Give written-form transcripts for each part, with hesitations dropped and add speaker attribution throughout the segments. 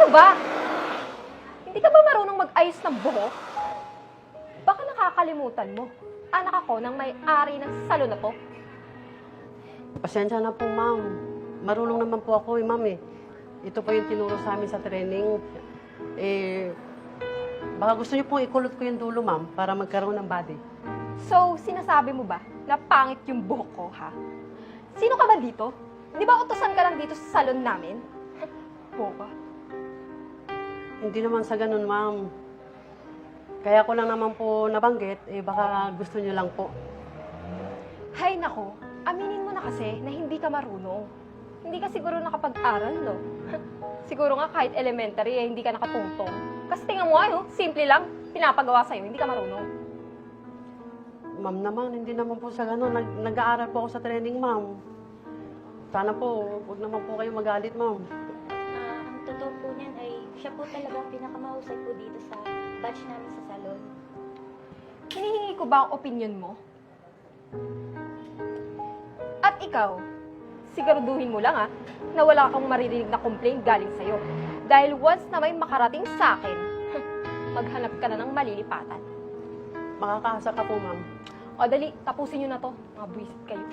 Speaker 1: Ano ba? Hindi ka ba marunong mag-ayos ng buhok? Baka nakakalimutan mo. Anak ako ng may-ari ng salon na to.
Speaker 2: Pasensya na po, ma'am. Marunong naman po ako ma'am eh. Ito po yung tinuro sa amin sa training. Baka gusto niyo pong ikulot ko yung dulo, ma'am, para magkaroon ng body.
Speaker 1: So, sinasabi mo ba na pangit yung buhok ko, ha? Sino ka ba dito? Di ba utosan ka lang dito sa salon namin? Boba.
Speaker 2: Hindi naman sa ganun, ma'am. Kaya ko lang naman po nabanggit, baka gusto niyo lang po.
Speaker 1: Hay nako, aminin mo na kasi na hindi ka marunong. Hindi ka siguro nakapag-aral, no? Siguro nga kahit elementary, hindi ka nakatungtong. Kasi tingnan mo ano, simple lang, pinapagawa sa'yo, hindi ka marunong.
Speaker 2: Ma'am naman, hindi naman po sa ganun. Nag-aaral po ako sa training, ma'am. Sana po, huwag naman po kayo magalit, ma'am.
Speaker 3: Ang totoo po niyan ay siya po talaga ang pinakamahusay po dito sa batch namin sa salon.
Speaker 1: Hinihingi ko ba ang opinion mo? At ikaw, siguraduhin mo lang na wala kang maririnig na complaint galing sa'yo. Dahil once na may makarating sa akin, maghanap ka na ng malilipatan.
Speaker 2: Makakaasa ka po, ma'am.
Speaker 1: O dali, tapusin nyo na to. Mga buwisit kayo.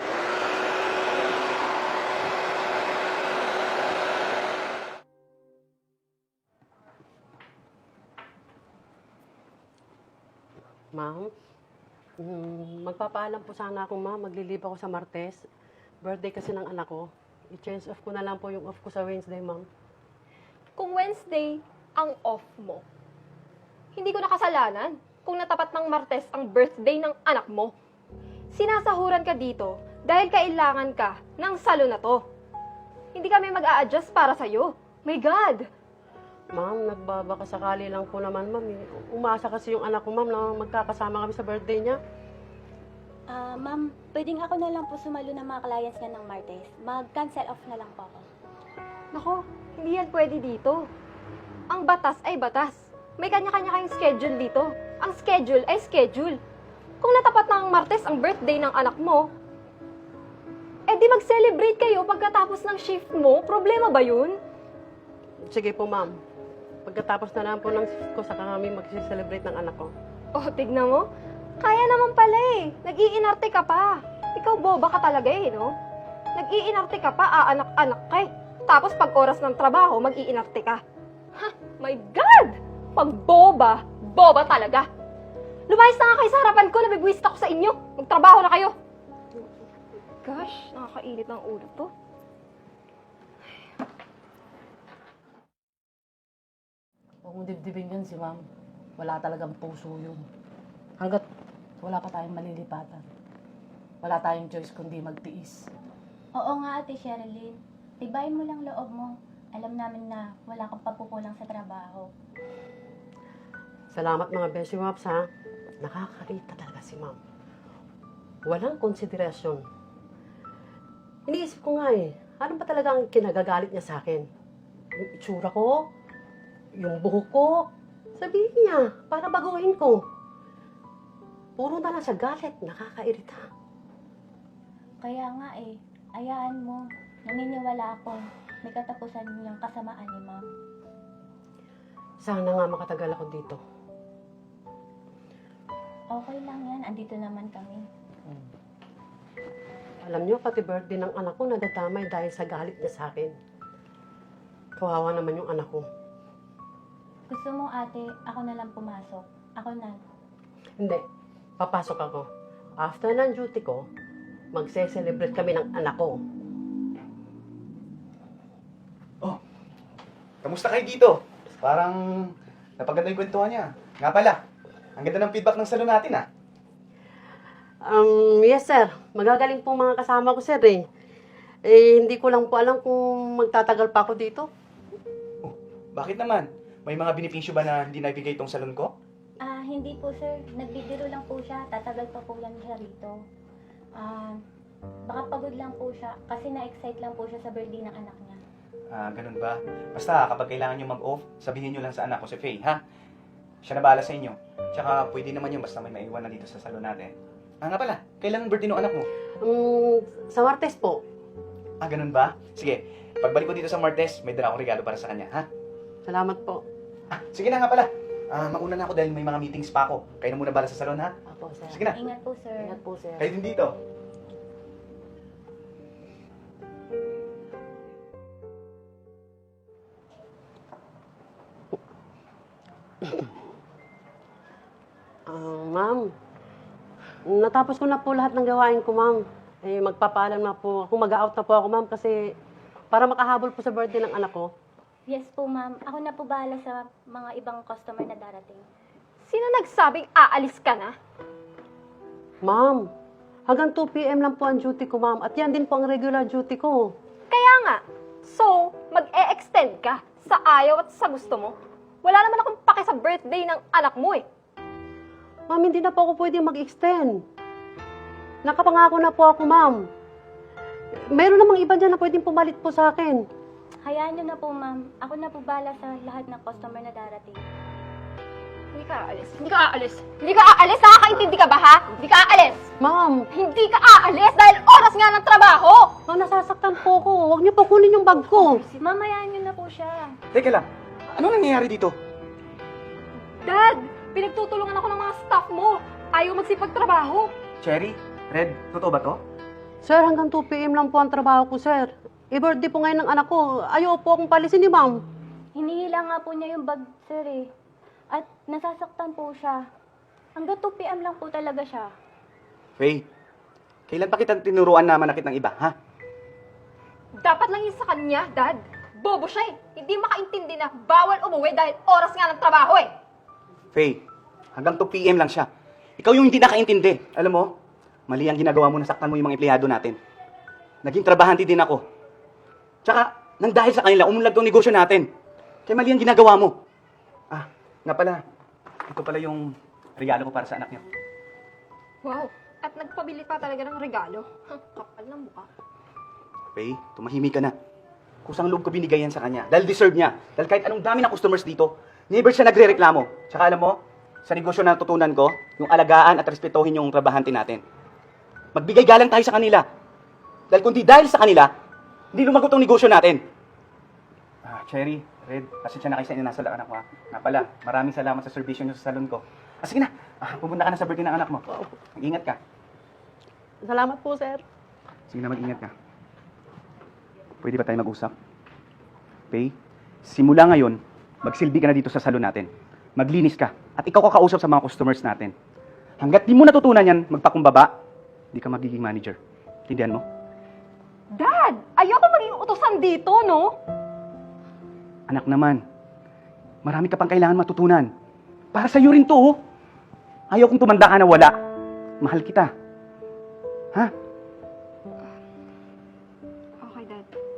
Speaker 2: Ma'am, magpapaalam po sana ako, ma'am. Maglilib ako sa Martes. Birthday kasi ng anak ko. I-change off ko na lang po yung off ko sa Wednesday, ma'am.
Speaker 1: Kung Wednesday ang off mo, hindi ko nakasalanan kung natapat ng Martes ang birthday ng anak mo. Sinasahuran ka dito dahil kailangan ka ng salon na to. Hindi kami mag-a-adjust para sa'yo. My God!
Speaker 2: Ma'am, nagbabaka sakali lang po naman, ma'am. Umasa kasi yung anak ko, ma'am, na magkakasama kami sa birthday niya.
Speaker 3: Ma'am, pwedeng ako na lang po sumalo ng mga clients niya ng Martes. Mag-cancel off na lang po ako.
Speaker 1: Nako, hindi yan pwede dito. Ang batas ay batas. May kanya-kanya kayong schedule dito. Ang schedule ay schedule. Kung natapat na ang Martes ang birthday ng anak mo, di mag-celebrate kayo pagkatapos ng shift mo. Problema ba yun?
Speaker 2: Sige po, ma'am. Pagkatapos na lang po ng shift ko, saka kami mag-celebrate ng anak ko.
Speaker 1: Oh, tignan mo. Kaya naman pala eh. Nag-iinarte ka pa. Ikaw boba ka talaga eh, no? Nag-iinarte ka pa, aanak-anak ka eh. Tapos pag oras ng trabaho, mag-iinarte ka. Ha? My God! Pag boba, boba talaga. Lumayas na nga kayo sa harapan ko, nabibwist ako sa inyo. Magtrabaho na kayo. Gosh, nakakainit ng ulo to.
Speaker 4: Huwag mong dibdibin yun si ma'am. Wala talagang puso yun. Hanggat wala pa tayong malilipatan. Wala tayong choice kundi magtiis.
Speaker 3: Oo nga, Ate Sherilyn. Tibayin mo lang loob mo. Alam namin na wala kang pagkukulang sa trabaho.
Speaker 2: Salamat mga Beshi Waps, ha? Nakakarita talaga si ma'am. Walang konsiderasyon. Iniisip ko nga ano ba talaga ang kinagagalit niya sa akin? Yung itsura ko? Yung buhok ko? Sabihin niya, para baguhin ko. Puro na lang siya galit, nakakairita.
Speaker 3: Kaya nga ayaan mo. Naniniwala ako. May katapusan niyang kasamaan ni ma'am.
Speaker 2: Sana nga makatagal ako dito.
Speaker 3: Okay lang yan. Andito naman kami.
Speaker 2: Alam niyo, pati birthday ng anak ko nadadamay dahil sa galit niya sa akin. Kawawa naman yung anak ko.
Speaker 3: Gusto mo, ate, ako na lang pumasok. Ako na.
Speaker 2: Hindi, papasok ako. After ng duty ko, magse-celebrate kami ng anak ko.
Speaker 5: Oh, kamusta kayo dito? Parang napaganda yung kwentuhan niya. Nga pala, ang ganda ng feedback ng salon natin
Speaker 2: Yes sir, magagaling po mga kasama ko sir hindi ko lang po alam kung magtatagal pa ako dito.
Speaker 5: Oh, bakit naman? May mga benepisyo ba na hindi nabigay itong salon ko?
Speaker 3: Hindi po, sir. Nagbibiro lang po siya. Tatagal pa po yan siya rito. Baka pagod lang po siya kasi na-excite lang po siya sa birthday ng anak niya.
Speaker 5: Ganun ba? Basta kapag kailangan nyo mag-off, sabihin nyo lang sa anak ko si Faye, ha? Siya na bahala sa inyo. Tsaka pwede naman yun basta may maiwan na dito sa salon natin. Nga pala, kailan ang birthday ng anak mo?
Speaker 2: Sa Martes po.
Speaker 5: Ganun ba? Sige, pagbalik ko dito sa Martes, may dala akong regalo para sa kanya, ha?
Speaker 2: Salamat po.
Speaker 5: Sige na nga pala. Mauna na ako dahil may mga meetings pa ako. Kayo na muna bala sa salon, ha?
Speaker 4: Apo, sir.
Speaker 5: Sige na.
Speaker 3: Ingat po, sir.
Speaker 4: Ingat po, sir.
Speaker 5: Kayo din dito.
Speaker 2: Ma'am, natapos ko na po lahat ng gawain ko, ma'am. Magpapaalam na po ako. Mag-out na po ako, ma'am, kasi para makahabol po sa birthday ng anak ko.
Speaker 3: Yes po, ma'am. Ako na po bahala sa mga ibang customer na darating.
Speaker 1: Sino nagsabing aalis ka na?
Speaker 2: Ma'am, hanggang 2 p.m. lang po ang duty ko, ma'am. At yan din po ang regular duty ko.
Speaker 1: Kaya nga. So, mag-e-extend ka sa ayaw at sa gusto mo. Wala naman akong pake sa birthday ng anak mo eh.
Speaker 2: Ma'am, hindi na po ako pwede mag-extend. Nakapangako na po ako, ma'am. Mayroon namang iba dyan na pwedeng pumalit po sa akin.
Speaker 3: Hayaan niyo na po, ma'am. Ako na po bahala sa lahat ng customer na darating.
Speaker 1: Hindi ka aalis. Hindi ka aalis. Hindi ka aalis. Nakakaintindi ka ba, ha? Hindi ka aalis.
Speaker 2: Ma'am,
Speaker 1: Hindi ka aalis dahil oras nga ng trabaho.
Speaker 2: ma'am, nasasaktan po ako. Huwag niyo po kunin yung bag ko.
Speaker 3: Ma'am, hayaan niyo na po siya.
Speaker 5: Teka lang. Ano nangyayari dito?
Speaker 1: Dad, pinagtutulungan ako ng mga staff mo. Ayaw magsipagtrabaho.
Speaker 5: Cherry? Red? Totoo ba to?
Speaker 2: Sir, hanggang 2 p.m. lang po ang trabaho ko, sir. I-birthday po ngayon ng anak ko. Ayaw po akong palisin ni ma'am.
Speaker 3: Hinihila nga po niya yung bag, sir eh. At nasasaktan po siya. Hanggang 2 p.m. lang po talaga siya.
Speaker 5: Faye, kailan pa kita tinuruan na manakit ng iba, ha?
Speaker 1: Dapat lang yun sa kanya, Dad. Bobo siya eh. Hindi makaintindi na bawal umuwi dahil oras nga ng trabaho eh.
Speaker 5: Faye, hanggang 2 p.m. lang siya. Ikaw yung hindi nakaintindi. Alam mo, mali ang ginagawa mo, nasaktan mo yung mga empleyado natin. Naging trabahante din ako. Tsaka, nang dahil sa kanila, umunlad tong negosyo natin. Kaya mali ang ginagawa mo. Nga pala, ito pala yung regalo ko para sa anak niyo.
Speaker 1: Wow. At nagpabili pa talaga ng regalo. Kapal ng mukha.
Speaker 5: Faye, tumahimik ka na. Kusang loob ko binigay yan sa kanya. Dahil deserve niya. Dahil kahit anong dami ng customers dito, never siya nagre-reklamo. Tsaka alam mo, sa negosyo na natutunan ko, yung alagaan at respetuhin yung trabahante natin. Magbigay galang tayo sa kanila. Dahil kundi dahil sa kanila, hindi lumagot ang negosyo natin. Cherry, Red, pasensya na kayo sa inyo nasa anak ko, ha. Nga pala, maraming salamat sa servisyo niyo sa salon ko. Sige na, pupunta ka na sa birthday ng anak mo. Mag-ingat ka.
Speaker 2: Salamat po, sir.
Speaker 5: Sige na, mag-ingat ka. Pwede ba tayo mag-usap? Faye, simula ngayon, magsilbi ka na dito sa salon natin. Maglinis ka. At ikaw kakausap sa mga customers natin. Hanggat di mo natutunan yan, magpakumbaba, di ka magiging manager. Tindihan mo?
Speaker 1: Dad, ayoko maging utusan dito, no?
Speaker 5: Anak naman, marami ka pang kailangan matutunan. Para sa'yo rin to, oh. Ayaw kong tumanda ka na wala. Mahal kita. Ha?
Speaker 1: Okay, Dad.